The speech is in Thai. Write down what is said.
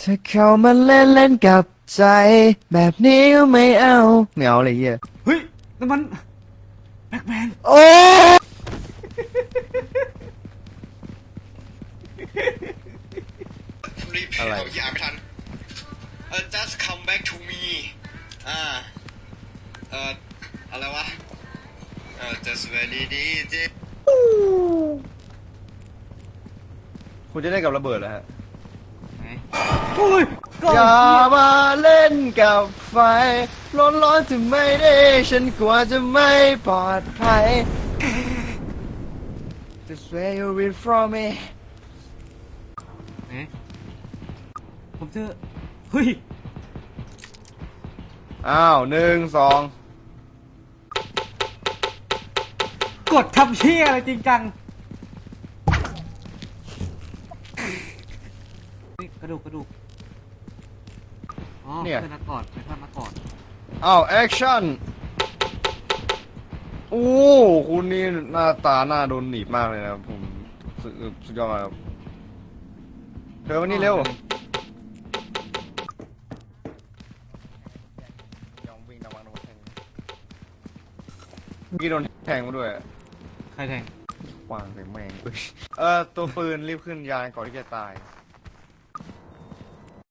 ถ้าเข้ามาเล่นเล่นกับใจแบบนี้ก็ไม่เอาไม่เอาอะไรเงี้ยเฮ้ยนั่นมันแบ็คแมนโอ้รีบอะไรอย่าไม่ทันjust come back to me อะไรวะjust very easy คุณจะได้กับระเบิดแล้วฮะโอ้ยอย่ามาเล่นกับไฟร้อนๆถึงไม่ได้ฉันกลัวจะไม่ปลอดภัย Just stay away from me ผมเจอเฮ้ยอ้าว1 2 กดทำเชี่ยอะไรจริงจังกระดูกอ๋อเพื่อนนักกอดไปทอดนักกอดอ้าวแอคชั่นโอ้คุณนี่หน้าตาหน้าโดนหนีบมากเลยนะผมสุดยอดมากครับเธอวันนี้เร็วยอมวิ่งระวังโดนแทงพี่โดนแทงมาด้วยใครแทงวางใส่แมงตัวปืนรีบขึ้นยานก่อนที่จะตาย